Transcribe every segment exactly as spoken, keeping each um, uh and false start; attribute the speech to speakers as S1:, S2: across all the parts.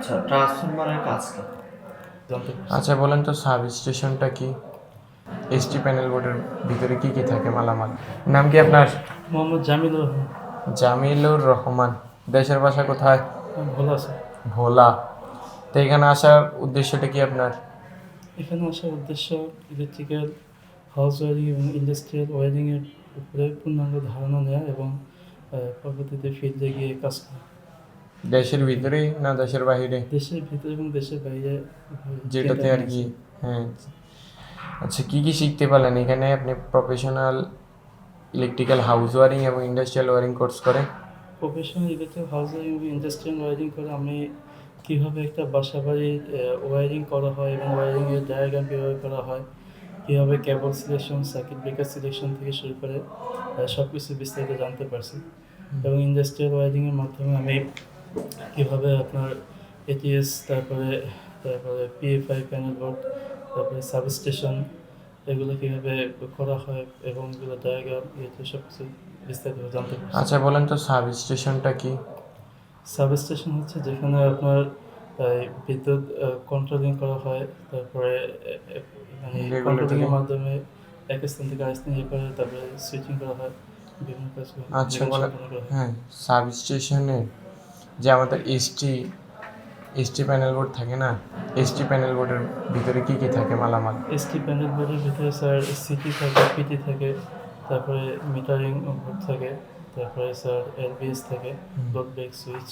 S1: আচ্ছা, ট্রান্সফরমারের কাজ কি?
S2: জানতে পারছি।
S3: আচ্ছা বলেন তো সাব স্টেশনটা কি? এসটি প্যানেল বোর্ডের ভিতরে কি কি থাকে মালামাল? নাম কি আপনার?
S2: মোহাম্মদ জামিলুর রহমান।
S3: জামিলুর রহমান। দেশের বাসা কোথায়?
S2: ভালো আছে।
S3: ভোলা। তো এখানে আসার উদ্দেশ্যটা কি আপনার?
S2: এখানে আসার উদ্দেশ্য ইলেকট্রিক্যাল, হাউস ওয়ারিং এবং ইন্ডাস্ট্রিয়াল ওয়ারিংয়ের উপরে পূর্ণাঙ্গ ধারণা নেওয়া এবং আহ, পরবর্তীতে ফিল্ডে গিয়ে কাজ করা।
S3: দেশের ভিতরেই না দেশের বাইরে?
S2: দেশের ভিতরে এবং দেশের বাইরে উভয়
S3: যেটাতে
S2: কেন্দ্র
S3: আর কি।
S2: আছে।
S3: হ্যাঁ। আচ্ছা কি কি শিখতে পারলেন এখানে? আপনি প্রফেশনাল ইলেকট্রিক্যাল হাউস ওয়ারিং এবং ইন্ডাস্ট্রিয়াল ওয়ারিং কোর্স করে?
S2: প্রফেশনাল ইলেকট্রিক হাউস ওয়ারিং এবং ইন্ডাস্ট্রিয়াল ওয়ারিং করে আমি কীভাবে একটা বাসা বাড়ির ওয়ারিং করা হয় এবং ওয়ারিংয়ের ডায়াগ্রাম কীভাবে করা হয়, কীভাবে cable selection, circuit breaker selection থেকে শুরু করে সব কিছু বিস্তারিত জানতে পারছি। এবং ইন্ডাস্ট্রিয়াল ওয়ারিংয়ের মাধ্যমে আমি কীভাবে আপনার এটিএস, তারপরে তারপরে পিএফআই প্যানেল বোর্ড, তারপরে সাবস্টেশন, এগুলো কীভাবে করা হয় এবং এগুলো ডায়াগ্রাম ইয়েতে সব কিছু বিস্তারিত জানতে পারছি।
S3: আচ্ছা বলেন তো সাব স্টেশনটা কি?
S2: সাবস্টেশন হচ্ছে যেখানে আপনার এই বিদ্যুৎ কন্ট্রোলিং করা হয়, তারপরে এ- এ- মানে
S3: Regulatory।
S2: কন্ট্রোলিংয়ের মাধ্যমে এক স্থান থেকে আরেক স্থানে ইয়ে করে তারপরে সুইচিং করা হয় বিভিন্ন কাজ করে,
S3: আচ্ছা
S2: যেগুলো
S3: বলেন।
S2: সম্পন্ন করা হয়।
S3: হ্যাঁ, সাব স্টেশনে যে আমাদের এসটি এসটি প্যানেল বোর্ড থাকে না, এসটি প্যানেল বোর্ডের ভিতরে কি কি থাকে মালামাল?
S2: এসটি প্যানেল বোর্ডের ভিতরে স্যার সিটি থাকে, পিটি থাকে, তারপরে মিটারিং বোর্ড থাকে, তারপরে স্যার এলবিএস থাকে, লোড ব্রেক সুইচ।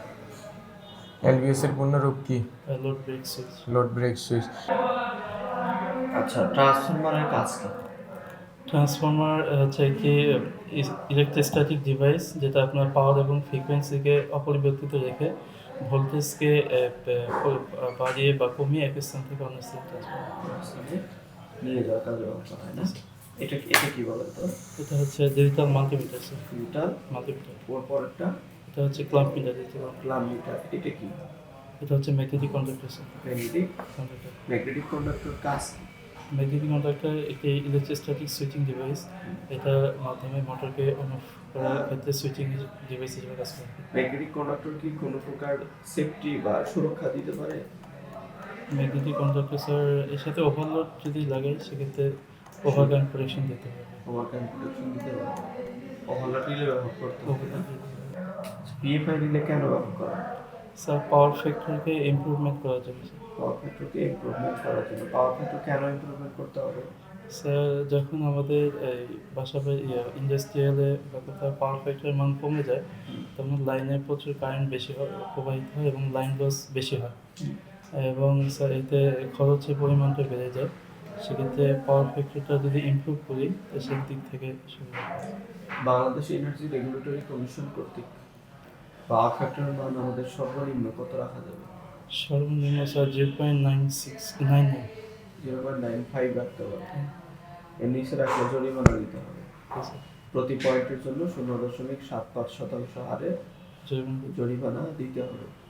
S3: এলবিএস এর পূর্ণরূপ কি?
S2: Load break switch.
S3: Load break switch.
S1: আচ্ছা, ট্রান্সফরমারের কাজ কি?
S2: ট্রান্সফর্মার হচ্ছে কি ইলেকট্রোস্ট্যাটিক ডিভাইস, যেটা আপনার পাওয়ার এবং ফ্রিকোয়েন্সিকে অপরিবর্তিত রেখে ভোল্টেজকে বাড়িয়ে বা কমিয়ে এক স্থান থেকে অন্য স্থানে ট্রান্সফার।
S1: নিয়ে যাওয়ার কাজে ব্যবহার হয় না? এটা এটা কি বলেন তো?
S2: এটা হচ্ছে digital multimeter sir.
S1: Digital
S2: multimeter.
S1: ওর পরেরটা
S2: এটা হচ্ছে clamp meter. Digital
S1: clamp meter. এটা কি?
S2: এটা হচ্ছে magnetic conductor sir.
S1: Magnetic
S2: conductor.
S1: Magnetic conductor কাজ কি?
S2: ম্যাগনেটিক কন্ডাক্টর একটি ইলেকট্রোস্ট্যাটিক সুইচিং ডিভাইস। এটার মাধ্যমে মোটরকে অন অফ করার ক্ষেত্রে সুইচিং ডিভাইস হিসেবে কাজ করে।
S1: ম্যাগনেটিক কন্ডাক্টর কি কোনো প্রকার সেফটি বা সুরক্ষা দিতে পারে?
S2: ম্যাগনেটিক কন্ডাক্টর স্যার এর সাথে ওভারলোড যদি লাগে সেক্ষেত্রে ওভারকারেন্ট প্রোটেকশন দিতে হবে।
S1: ওভারকারেন্ট প্রোটেকশন দিতে পারে? ওভারলোড রিলে ব্যবহার করতে হবে না?
S2: Overload দিতে হবে।
S1: পিএফআই রিলে কেন ব্যবহার করা হয়?
S2: স্যার পাওয়ার ফ্যাক্টরকে ইমপ্রুভমেন্ট করার জন্য স্যার।
S1: পাওয়ার ফ্যাক্টরকে ইমপ্রুভমেন্ট করার জন্য। পাওয়ার ফ্যাক্টর কেন ইমপ্রুভমেন্ট করতে হবে?
S2: স্যার যখন আমাদের এই বাসা বাড়ি ইন্ডাস্ট্রিয়ালে বা কোথাও পাওয়ার ফ্যাক্টরের মান কমে যায়, তখন লাইনে প্রচুর কারেন্ট বেশি হয়, প্রবাহিত হয় এবং লাইন লস বেশি হয় এবং স্যার এতে খরচের পরিমাণটা বেড়ে যায়। সেক্ষেত্রে পাওয়ার ফ্যাক্টরটা যদি ইমপ্রুভ করি তো সেই দিক থেকে সুবিধা হয়।
S1: বাংলাদেশ এনার্জি রেগুলেটরি কমিশন কর্তৃক পাওয়ার ফ্যাক্টরের মান আমাদের সর্বনিম্ন কত রাখা যাবে?
S2: সর্বনিম্ন sir zero point nine six nine nine.
S1: Zero point nine five রাখতে পারবে। এর নিচে রাখলে জরিমানা দিতে হবে। প্রতি পয়েন্টের জন্য শূন্য দশমিক সাত পাঁচ শতাংশ হারে জরিমানা দিতে হবে।